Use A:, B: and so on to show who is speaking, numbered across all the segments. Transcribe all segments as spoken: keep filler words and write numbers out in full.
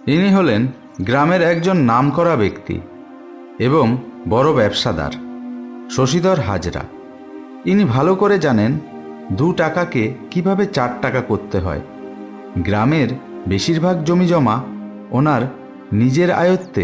A: ইনি হলেন গ্রামের একজন নামকরা ব্যক্তি এবং বড় ব্যবসাদার শশীধর হাজরা। ইনি ভালো করে জানেন দু টাকাকে কিভাবে চার টাকা করতে হয়। গ্রামের বেশিরভাগ জমি জমা ওনার নিজের আয়ত্তে।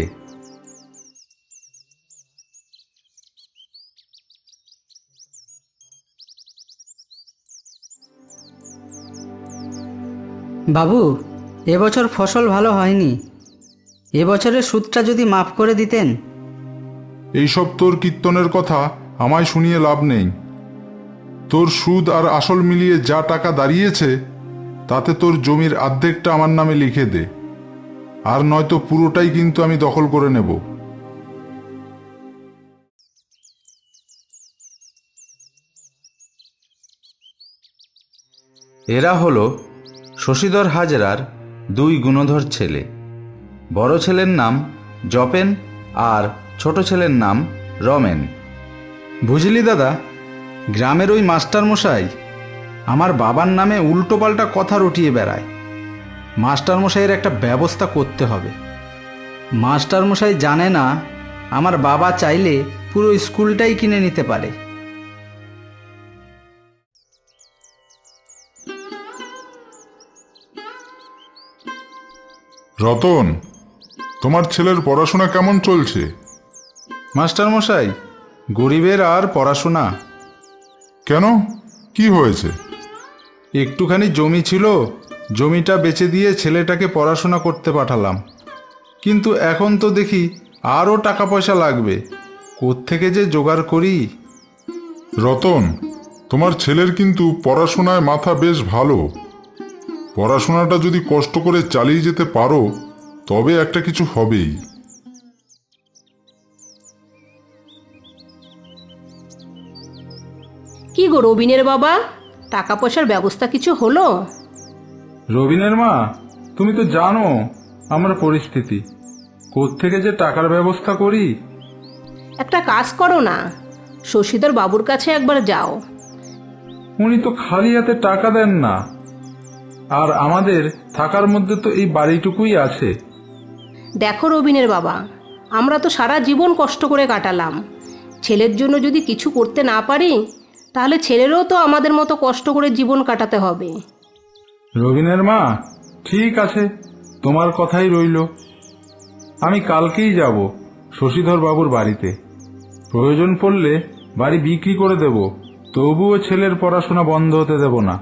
B: বাবু, এবছর ফসল ভালো হয়নি। এবছরের সুদটা যদি মাফ করে দিতেন।
C: এইসব তোর কীর্তনের কথা আমায় শুনিয়ে লাভ নেই। তোর সুদ আর আসল মিলিয়ে যা টাকা দাঁড়িয়েছে তাতে তোর জমির অর্ধেকটা আমার নামে লিখে দে, আর নয়তো পুরোটাই কিন্তু আমি দখল করে নেব।
A: এরা হলো শশীধর হাজরার দুই গুণধর ছেলে। বড় ছেলের নাম জপেন আর ছোট ছেলের নাম রমেন। বুঝলি দাদা, গ্রামের ওই মাস্টারমশাই আমার বাবার নামে উল্টোপাল্টা কথা রটিয়ে বেড়ায়। মাস্টারমশাইয়ের একটা ব্যবস্থা করতে হবে।
B: মাস্টারমশাই জানে না আমার বাবা চাইলে পুরো স্কুলটাই কিনে নিতে পারে।
C: রতন, তোমার ছেলের পড়াশোনা কেমন চলছে?
A: মাস্টারমশাই, গরিবের আর পড়াশোনা।
C: কেন, কি হয়েছে?
A: একটুখানি জমি ছিল, জমিটা বেচে দিয়ে ছেলেটাকে পড়াশোনা করতে পাঠালাম। কিন্তু এখন তো দেখি আরও টাকা পয়সা লাগবে, কোত্থেকে যে জোগাড় করি।
C: রতন, তোমার ছেলের কিন্তু পড়াশোনায় মাথা বেশ ভালো। পড়াশোনাটা যদি কষ্ট করে চালিয়ে যেতে পারো তবে একটা কিছু হবেই।
D: কি গো রবিনের বাবা, টাকা পয়সার ব্যবস্থা কিছু হলো?
A: রবিনের মা, তুমি তো জানো আমার পরিস্থিতি, কোত্থেকে যে টাকার ব্যবস্থা করি।
D: একটা কাজ করো না, শশীধর বাবুর কাছে একবার যাও।
A: উনি তো খালি হাতে টাকা দেন না, আর আমাদের থাকার মধ্যে তো এই বাড়িটুকুই আছে।
D: দেখো রবিনের বাবা, আমরা তো সারা জীবন কষ্ট করে কাটালাম। ছেলের জন্য যদি কিছু করতে না পারি তাহলে ছেলেরও তো আমাদের মতো কষ্ট করে জীবন কাটাতে হবে।
A: রবিনের মা, ঠিক আছে, তোমার কথাই রইল। আমি কালকেই যাব শশীধর বাবুর বাড়িতে। প্রয়োজন পড়লে বাড়ি বিক্রি করে দেব, তবুও ছেলের পড়াশোনা বন্ধ হতে দেব না।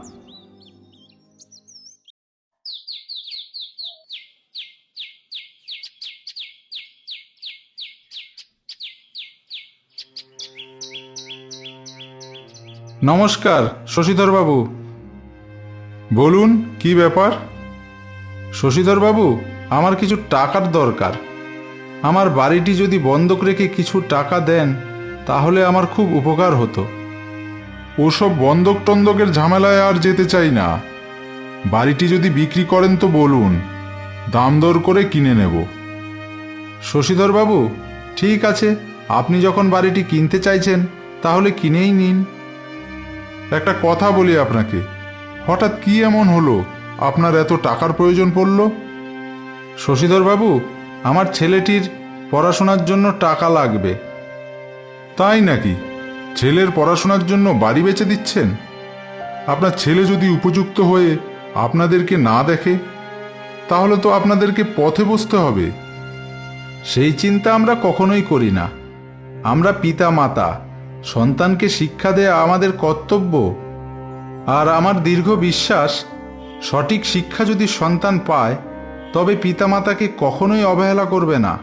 A: নমস্কার শশীধর বাবু।
C: বলুন, কি ব্যাপার?
A: শশীধর বাবু, আমার কিছু টাকার দরকার। আমার বাড়িটি যদি বন্ধক রেখে কিছু টাকা দেন তাহলে আমার খুব উপকার হতো।
C: ওসব বন্ধক টন্দকের ঝামেলায় আর যেতে চাই না। বাড়িটি যদি বিক্রি করেন তো বলুন, দাম দর করে কিনে নেব।
A: শশীধর বাবু, ঠিক আছে, আপনি যখন বাড়িটি কিনতে চাইছেন তাহলে কিনেই নিন।
C: একটা কথা বলি আপনাকে, হঠাৎ কি এমন হলো আপনার এত টাকার প্রয়োজন পড়ল?
A: শশীধর বাবু, আমার ছেলেটির পড়াশোনার জন্য টাকা লাগবে।
C: তাই নাকি? ছেলের পড়াশোনার জন্য বাড়ি বেচে দিচ্ছেন? আপনার ছেলে যদি উপযুক্ত হয়ে আপনাদেরকে না দেখে তাহলে তো আপনাদেরকে পথে বসতে হবে।
A: সেই চিন্তা আমরা কখনোই করি না। আমরা পিতা মাতা, সন্তানকে শিক্ষা দেয়া আমাদের কর্তব্য। আর আমার দীর্ঘ বিশ্বাস, সঠিক শিক্ষা যদি সন্তান পায় তবে পিতামাতাকে কখনোই অবহেলা করবে না।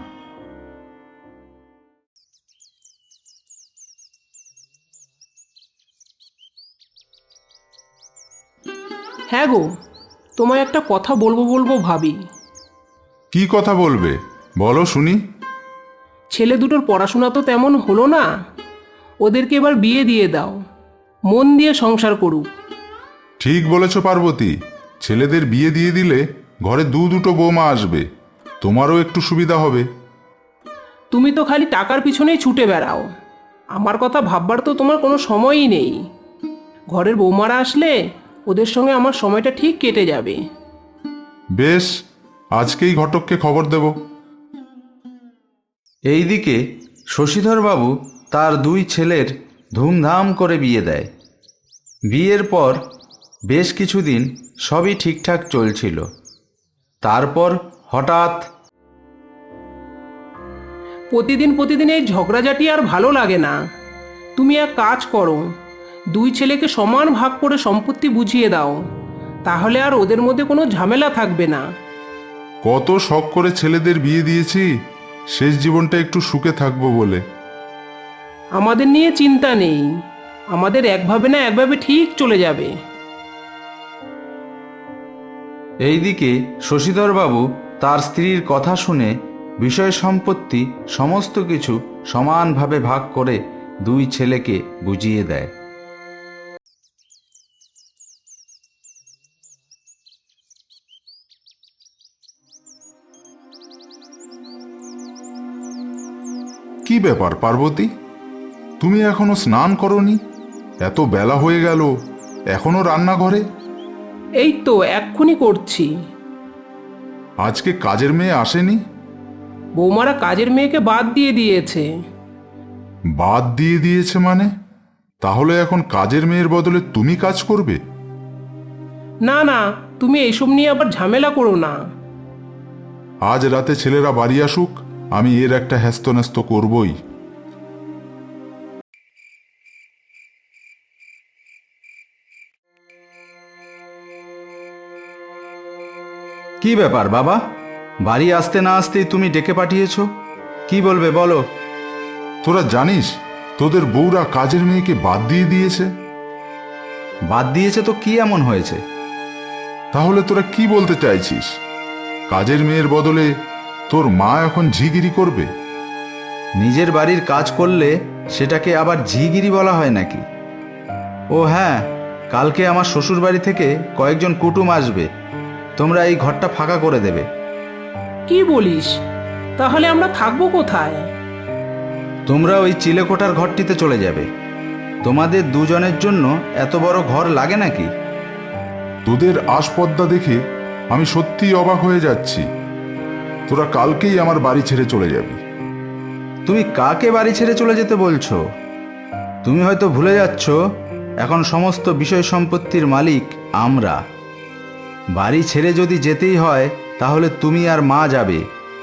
E: হ্যাঁ গো, তোমায় একটা কথা বলবো বলবো ভাবি।
C: কি কথা বলবে, বলো শুনি।
E: ছেলে দুটোর পড়াশোনা তো তেমন হলো না, ওদেরকে এবার বিয়ে দিয়ে দাও, মন দিয়ে সংসার করুক।
C: ঠিক বলেছ পার্বতী, ছেলেদের বিয়ে দিয়ে দিলে ঘরে দু দুটো বৌমা আসবে, তোমারও একটু সুবিধা হবে।
E: তুমি তো খালি টাকার পিছনেই ছুটে বেড়াও, আমার কথা ভাববার তো তোমার কোনো সময়ই নেই। ঘরের বৌমারা আসলে ওদের সঙ্গে আমার সময়টা ঠিক কেটে যাবে।
C: বেশ, আজকেই ঘটককে খবর দেব।
A: এইদিকে শশীধরবাবু তার দুই ছেলের ধুমধাম করে বিয়ে দেয়। বিয়ের পর বেশ কিছুদিন সবই ঠিকঠাক চলছিল। তারপর হঠাৎ
E: প্রতিদিন প্রতিদিন এই ঝগড়াঝাটি আর ভালো লাগে না। তুমি এক কাজ করো, দুই ছেলেকে সমান ভাগ করে সম্পত্তি বুঝিয়ে দাও, তাহলে আর ওদের মধ্যে কোনো ঝামেলা থাকবে না।
C: কত শখ করে ছেলেদের বিয়ে দিয়েছি শেষ জীবনটা একটু সুখে থাকবো বলে।
E: আমাদের নিয়ে চিন্তা নেই, আমাদের একভাবে না একভাবে ঠিক চলে যাবে।
A: এইদিকে শশীধরবাবু তার স্ত্রীর কথা শুনে বিষয় সম্পত্তি সমস্ত কিছু সমানভাবে ভাগ করে দুই ছেলেকে বুঝিয়ে দেয়।
C: কি ব্যাপার পার্বতী, তুমি এখনো স্নান করনি? এত বেলা হয়ে গেল, এখনো রান্নাঘরে?
E: এই তো এক্ষুনি করছি।
C: আজকে কাজের মেয়ে আসেনি?
E: বৌমারা কাজের মেয়েকে বাদ দিয়ে দিয়েছে।
C: বাদ দিয়ে দিয়েছে মানে? তাহলে এখন কাজের মেয়ের বদলে তুমি কাজ করবে?
E: না না, তুমি এইসব নিয়ে আবার ঝামেলা করো না।
C: আজ রাতে ছেলেরা বাড়ি আসুক, আমি এর একটা হ্যাস্ত করবই।
A: কি ব্যাপার বাবা, বাড়ি আসতে না আসতেই তুমি ডেকে পাঠিয়েছো? কি বলবে বলো।
C: তোরা জানিস তোদের বউরা কাজের মেয়েকে বাদ দিয়ে দিয়েছে?
A: বাদ দিয়েছে তো কি এমন হয়েছে?
C: তাহলে তোরা কি বলতে চাইছিস? কাজের মেয়ের বদলে তোর মা এখন ঝিগিরি করবে?
A: নিজের বাড়ির কাজ করলে সেটাকে আবার ঝিগিরি বলা হয় নাকি? ও হ্যাঁ, কালকে আমার শ্বশুর বাড়ি থেকে কয়েকজন কুটুম আসবে, তোমরা এই ঘরটা ফাঁকা করে দেবে।
E: কি বলিস? তাহলে আমরা থাকবো কোথায়?
A: তোমরা ওই চিলেকোঠার ঘরটিতে চলে যাবে। তোমাদের দুজনের জন্য এত বড় ঘর লাগে নাকি?
C: তোদের আসপদ্দা দেখে আমি সত্যিই অবাক হয়ে যাচ্ছি। তোরা কালকেই আমার বাড়ি ছেড়ে চলে যাবি।
A: তুমি কাকে বাড়ি ছেড়ে চলে যেতে বলছো? তুমি হয়তো ভুলে যাচ্ছ এখন সমস্ত বিষয় সম্পত্তির মালিক আমরা। বাড়ি ছেড়ে যদি যেতেই হয় তাহলে তুমি আর মা যাবে।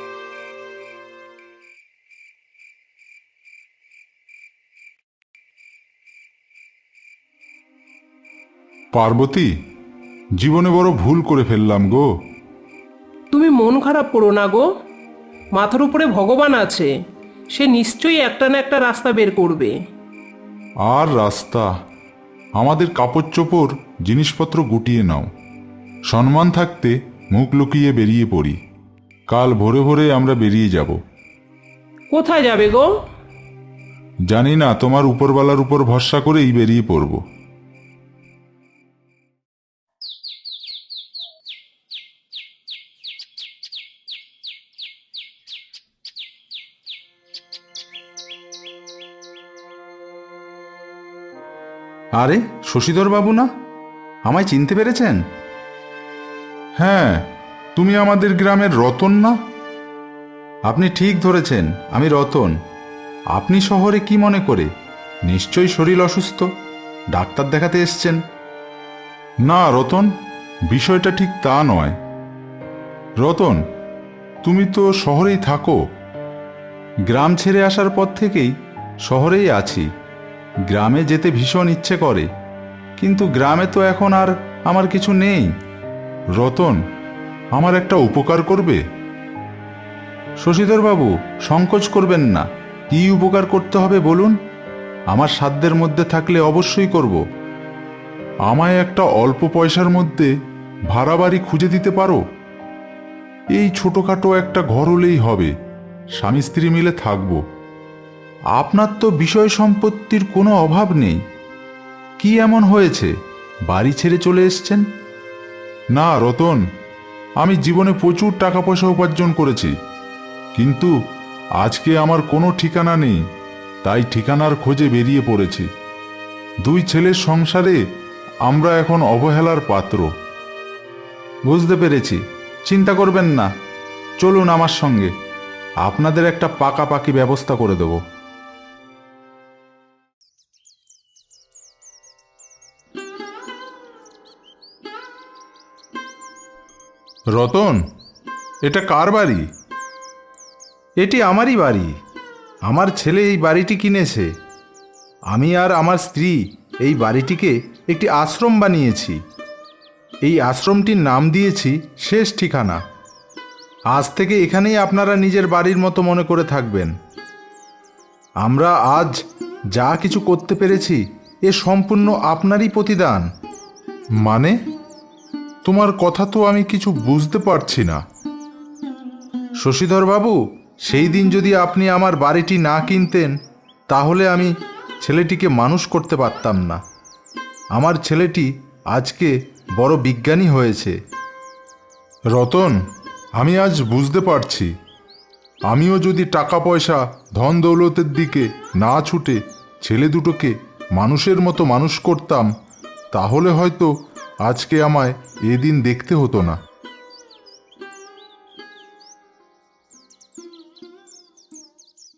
C: পার্বতী, জীবনে বড় ভুল করে ফেললাম গো।
E: তুমি মন খারাপ করো না গো, মাথার উপরে ভগবান আছে, সে নিশ্চয়ই একটা না একটা রাস্তা বের করবে।
C: আর রাস্তা? আমাদের কাপড় চোপড় জিনিসপত্র গুটিয়ে নাও। সম্মান থাকতে মুখ লুকিয়ে বেরিয়ে পড়ি। কাল ভোরে ভোরে আমরা বেরিয়ে যাব।
E: কোথায় যাবে গো?
C: জানি না, তোমার উপরওয়ালার উপর ভরসা করেই বেরিয়ে পড়ব।
A: আরে শশীধর বাবু না? আমায় চিনতে পেরেছেন?
C: হ্যাঁ, তুমি আমাদের গ্রামের রতন না?
A: আপনি ঠিক ধরেছেন, আমি রতন। আপনি শহরে কি মনে করে? নিশ্চয়ই শরীর অসুস্থ, ডাক্তার দেখাতে এসছেন।
C: না রতন, বিষয়টা ঠিক তা নয়। রতন, তুমি তো শহরেই থাকো।
A: গ্রাম ছেড়ে আসার পর থেকেই শহরেই আছি। গ্রামে যেতে ভীষণ ইচ্ছে করে, কিন্তু গ্রামে তো এখন আর আমার কিছু নেই।
C: রতন, আমার একটা উপকার করবে?
A: শশীধর বাবু, সংকোচ করবেন না। কি উপকার করতে হবে বলুন, আমার সাধ্যের মধ্যে থাকলে অবশ্যই করব।
C: আমায় একটা অল্প পয়সার মধ্যে ভাড়া বাড়ি খুঁজে দিতে পারো? এই ছোটখাটো একটা ঘর হলেই হবে, স্বামী স্ত্রী মিলে থাকবো।
A: আপনার তো বিষয় সম্পত্তির কোনো অভাব নেই। কি এমন হয়েছে বাড়ি ছেড়ে চলে এসছেন?
C: না রতন, আমি জীবনে প্রচুর টাকা পয়সা উপার্জন করেছি, কিন্তু আজকে আমার কোনো ঠিকানা নেই, তাই ঠিকানার খোঁজে বেরিয়ে পড়েছি। দুই ছেলের সংসারে আমরা এখন অবহেলার পাত্র।
A: বুঝতে পেরেছি।
C: চিন্তা করবেন না, চলুন আমার সঙ্গে, আপনাদের একটা পাকাপাকি ব্যবস্থা করে দেব। রতন, এটা কার বাড়ি?
A: এটি আমারই বাড়ি। আমার ছেলে এই বাড়িটি কিনেছে। আমি আর আমার স্ত্রী এই বাড়িটিকে একটি আশ্রম বানিয়েছি। এই আশ্রমটির নাম দিয়েছি শেষ ঠিকানা। আজ থেকে এখানেই আপনারা নিজের বাড়ির মতো মনে করে থাকবেন। আমরা আজ যা কিছু করতে পেরেছি এ সম্পূর্ণ আপনারই প্রতিদান।
C: মানে, তোমার কথা তো আমি কিছু বুঝতে পারছি না।
A: শশীধরবাবু, সেই দিন যদি আপনি আমার বাড়িটি না কিনতেন তাহলে আমি ছেলেটিকে মানুষ করতে পারতাম না। আমার ছেলেটি আজকে বড় বিজ্ঞানী হয়েছে।
C: রতন, আমি আজ বুঝতে পারছি, আমিও যদি টাকা পয়সা ধন দৌলতের দিকে না ছুটে ছেলে দুটোকে মানুষের মতো মানুষ করতাম তাহলে হয়তো আজকে আমায় এদিন দেখতে হতো না।